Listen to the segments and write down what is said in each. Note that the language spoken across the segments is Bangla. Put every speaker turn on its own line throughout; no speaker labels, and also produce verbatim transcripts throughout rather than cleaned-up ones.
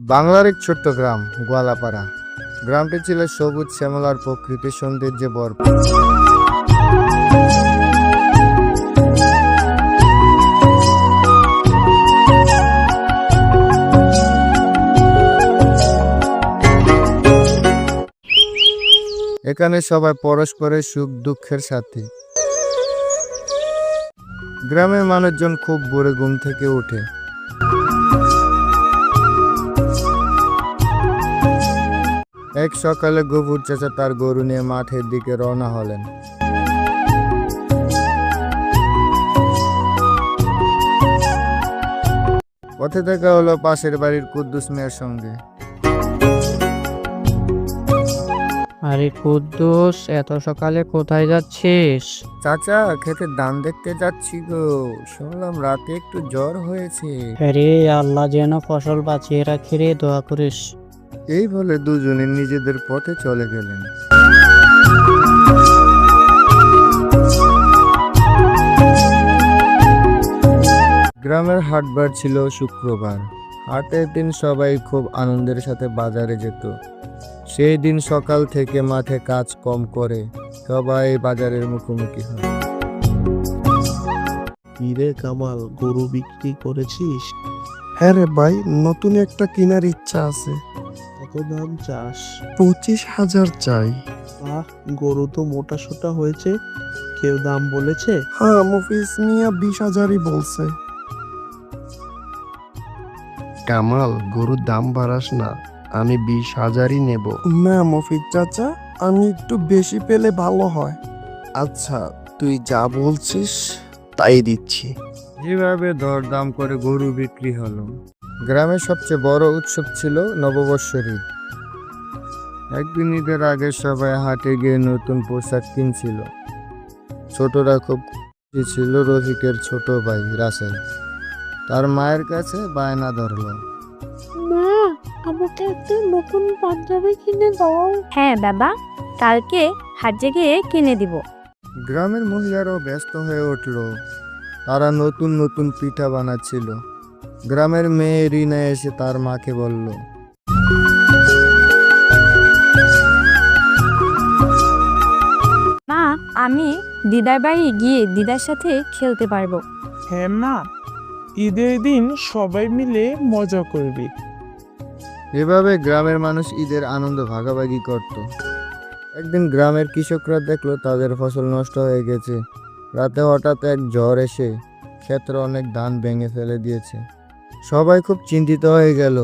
বাংলার এক ছোট্ট গ্রাম গোয়ালাপাড়া। গ্রামটি ছিল সবুজ শ্যামল আর প্রকৃতির সৌন্দর্যে ভরপুর। এখানে সবাই পরস্পরের সুখ দুঃখের সাথী। গ্রামের মানুষজন খুব ভোরে ঘুম থেকে ওঠে। এক সকালে গফুর চাচা তার গরু নিয়ে মাঠের দিকে রওনা হলেন। পথে দেখা হলো পাশের বাড়ির কুদ্দুস মিয়ার সঙ্গে।
আরে কুদ্দুস, এত সকালে কোথায় যাচ্ছিস?
চাচা, ক্ষেতের ধান দেখতে যাচ্ছি গো, শুনলাম রাতে একটু জ্বর হয়েছে।
আরে আল্লাহ যেন ফসল বাঁচিয়ে রাখে রে, দোয়া করিস।
এই বলে দুজনে নিজেদের পথে চলে গেলেন। গ্রামের হাটবার ছিল শুক্রবার। হাটের দিন সবাই খুব আনন্দের সাথে বাজারে যেত। সেই দিন সকাল থেকে মাঠে কাজ কম করে সবাই বাজারের মুখোমুখি হয়।
কিরে কামাল, গরু বিক্রি করেছিস?
হ্যাঁ রে ভাই, নতুন একটা কেনার ইচ্ছা আছে।
কত দাম চাস?
পঁচিশ হাজার চাই।
আহ, গরু তো মোটা সোটা হয়েছে, কেউ দাম বলেছে?
হ্যাঁ, মফিজ মিয়া বিশ হাজারই বলছে।
কামাল, গরুর দাম বাড়াস না, আমি বিশ হাজারই নেব।
না মফিজ চাচা, আমি একটু বেশি পেলে ভালো হয়।
আচ্ছা, তুই যা বলছিস তাই দিচ্ছি।
যেভাবে দরদাম করে গরু বিক্রি হলো। গ্রামের সবচেয়ে বড় উৎসব ছিল নববর্ষের ঈদ। একদিন ঈদের আগে সবাই হাটে গিয়ে নতুন পোশাক কিনছিল। ছোটরা খুব খুশি ছিল। রফিকের ছোট ভাই রাসেল তার মায়ের কাছে বায়না ধরল।
মা, আমাকে একটা নতুন পাঞ্জাবি কিনে দাও। হ্যাঁ বাবা, কালকে হাটে গিয়ে কিনে দিব।
গ্রামের মহিলারাও ব্যস্ত হয়ে উঠল। তারা নতুন নতুন পিঠা বানাচ্ছিল। গ্রামের মেয়ে রিনা এসে তার মাকে বলল,
মা, আমি দিদার বাড়ি গিয়ে দিদার সাথে খেলতে পারবো।
হ্যাঁ মা, ঈদের দিন সবাই মিলে মজা করবি।
এভাবে গ্রামের মানুষ ঈদের আনন্দ ভাগাভাগি করত। একদিন গ্রামের কৃষকরা দেখলো তাদের ফসল নষ্ট হয়ে গেছে। রাতে হঠাৎ এক ঝড় এসে ক্ষেত্রে অনেক ধান ভেঙে ফেলে দিয়েছে। সবাই খুব চিন্তিত হয়ে গেল।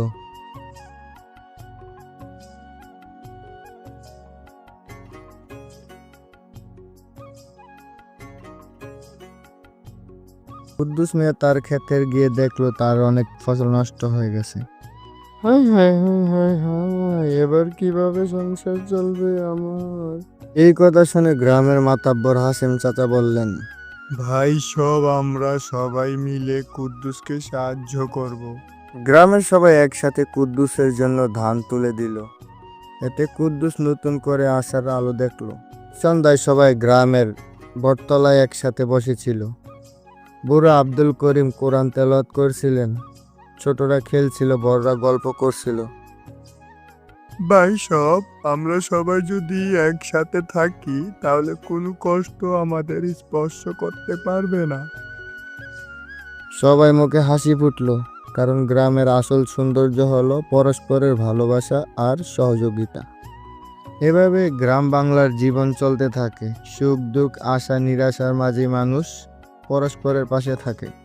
কুদ্দুস মিয়া তার ক্ষেতে গিয়ে দেখলো তার অনেক ফসল নষ্ট হয়ে গেছে। হায় হায় হায় হায় হায়, এবার কিভাবে সংসার চলবে আমার? এই কথা শুনে গ্রামের মাতাব্বর হাসেম চাচা বললেন, ভাই সব আমরা সবাই মিলে কুদ্দুসকে সাহায্য করব। গ্রামের সবাই একসাথে কুদ্দুসের জন্য ধান তুলে দিল। এতে কুদ্দুস নতুন করে আশার আলো দেখলো। সন্ধ্যায় সবাই গ্রামের বটতলায় একসাথে বসেছিল। বুড়া আব্দুল করিম কোরআন তেলাওয়াত করছিলেন। ছোটরা খেলছিল, বড়রা গল্প করছিল। ভাই সব আমরা সবাই যদি একসাথে থাকি তাহলে কোনো কষ্ট আমাদের স্পর্শ করতে পারবে না। সবাই মুখে হাসি ফুটলো, কারণ গ্রামের আসল সৌন্দর্য হলো পরস্পরের ভালোবাসা আর সহযোগিতা। এভাবে গ্রাম বাংলার জীবন চলতে থাকে। সুখ দুঃখ আশা নিরাশার মাঝে মানুষ পরস্পরের পাশে থাকে।